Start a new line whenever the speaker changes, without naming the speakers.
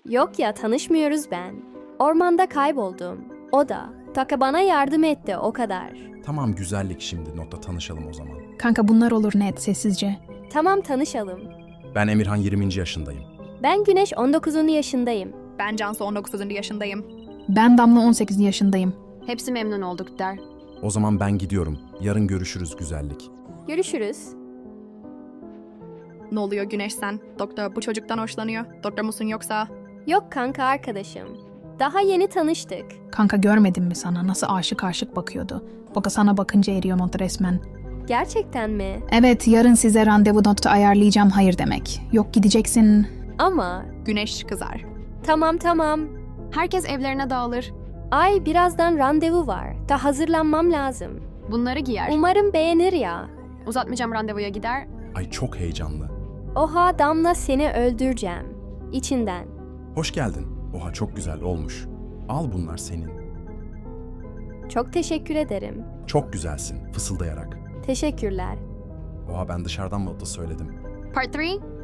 Yok ya, tanışmıyoruz ben. Ormanda kayboldum. O da. Taka bana yardım etti, o kadar.
Tamam güzellik, şimdi notta tanışalım o zaman.
Kanka bunlar olur net sessizce.
Tamam, tanışalım.
Ben Emirhan, 20. yaşındayım.
Ben Güneş, 19. yaşındayım.
Ben Cansu, 19. yaşındayım.
Ben Damla 18 yaşındayım.
Hepsi memnun olduk der.
O zaman ben gidiyorum. Yarın görüşürüz güzellik.
Görüşürüz.
Ne oluyor Güneş sen? Doktor bu çocuktan hoşlanıyor. Doktor musun yoksa?
Yok kanka, arkadaşım. Daha yeni tanıştık.
Kanka görmedin mi sana nasıl aşık bakıyordu. Baka sana bakınca eriyor not resmen.
Gerçekten mi?
Evet yarın size randevu notu ayarlayacağım hayır demek. Yok gideceksin.
Ama
Güneş kızar.
tamam.
Herkes evlerine dağılır.
Ay, birazdan randevu var. Da hazırlanmam lazım.
Bunları giyer.
Umarım beğenir ya.
Uzatmayacağım, randevuya gider.
Ay çok heyecanlı.
Oha Damla, seni öldüreceğim. İçinden.
Hoş geldin. Oha çok güzel olmuş. Al, bunlar senin.
Çok teşekkür ederim.
Çok güzelsin fısıldayarak.
Teşekkürler.
Oha, ben dışarıdan mı da söyledim.
Part 3.